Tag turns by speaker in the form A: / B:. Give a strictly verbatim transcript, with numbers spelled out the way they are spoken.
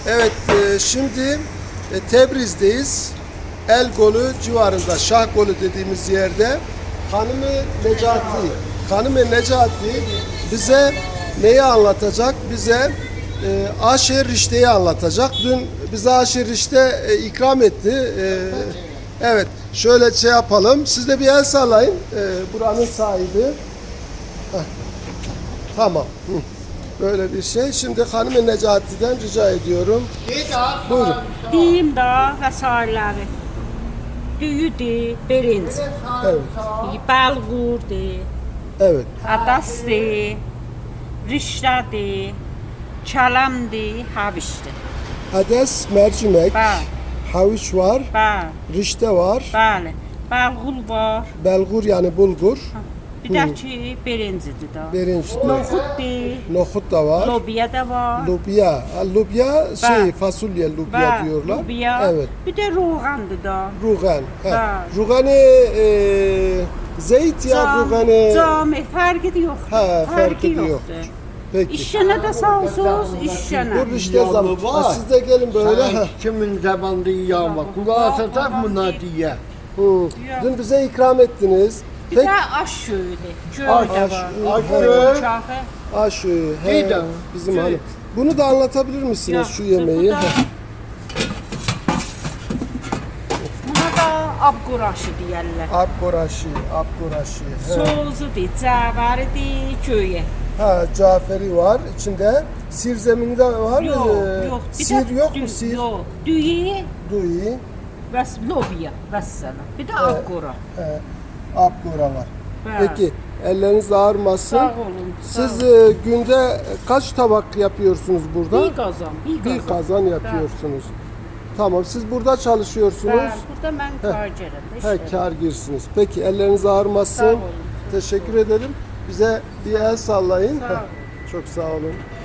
A: Evet, e, şimdi e, Tebriz'deyiz. El Golü civarında, Şah Golü dediğimiz yerde Hanım-ı Necati, Hanım-ı Necati bize neyi anlatacak? Bize e, Aşer Rişte'yi anlatacak. Dün bize Aşer Rişte e, ikram etti. E, evet, şöyle şey yapalım. Siz de bir el sallayın. E, buranın sahibi. Heh. Tamam. Hı. Böyle bir şey. Şimdi Hanım-ı Necati'den rica ediyorum. Buyurun.
B: Deyim da vesairələri. Düyüdür, birinci.
A: Evet.
B: Bəlğurdur,
A: Evet.
B: adasdır, rişlədir, kələmdir, havişdir.
A: Hades, mercimek,
B: Bəli,
A: havuç var,
B: bəli,
A: rişte var,
B: bəli. Bəlğul var.
A: belgur yani bulgur,
B: Bir də ki, birincidir da.
A: birinci,
B: Noxuddur,
A: nohut da var,
B: lobiya da var.
A: lubya. Ha, Lubya şey
B: Bəli.
A: fasulye lubya
B: Bəli,
A: diyorlar.
B: lobiya.
A: Evet.
B: Bir də roğandır da.
A: Rugan. Ha.
B: Bəli.
A: Ruganı e, zeyt ya
B: Cam,
A: ruganı.
B: cami, fərqi yoxdur.
A: Ha, farkı
B: yoxdur.
A: yoktur. Peki.
B: İşşənə də sağ olsunuz, işşənə.
A: Bu rişte zaman.
C: Yağlı
A: Ha,
C: var.
A: siz de gelin böyle. Ha.
C: Sen kimin zamanında yağma? Kulağı satak mı Nadiye?
A: Hı. Dün bize ikram ettiniz.
B: Bir
A: Peki.
B: də aş şöyüdür, göy
C: Aş,
B: də var.
C: aş,
B: Uçağı.
A: Ha şu he,
C: Bir de-
A: bizim
B: Şey-
A: hanım. Bunu da anlatabilir misiniz
B: Ya,
A: şu yemeği?
B: bu da- Buna da abquraşı deyərlər.
A: Abgoraşi, abgoraşi. He.
B: Sozudur, cəvəridir, göyə.
A: Ha, Caferi var. İçinde sir zeminde var mı?
B: Yox,
A: Ee,
B: yox. Bir
A: Sir
B: də
A: yok mu
B: dü-
A: sir?
B: Yox, düyü
A: Duyi.
B: və lobiya, vəssalam. Bir də abqura.
A: He, abgora var.
B: Bəli.
A: Peki elleriniz ağrımasın.
B: Sağ olun. sağ
A: Siz
B: olun.
A: e, günde kaç tabak yapıyorsunuz burada?
B: bir qazan, bir qazan.
A: Bir kazan yapıyorsunuz. Tamam, siz burada çalışıyorsunuz.
B: Bəli, burada mən tacirəm.
A: He, kar girsiniz. Peki elleriniz ağrımasın.
B: Sağ olun.
A: Teşekkür ederim. Bize bir el sallayın.
B: Sağ
A: Heh,
B: olun.
A: çok sağ olun.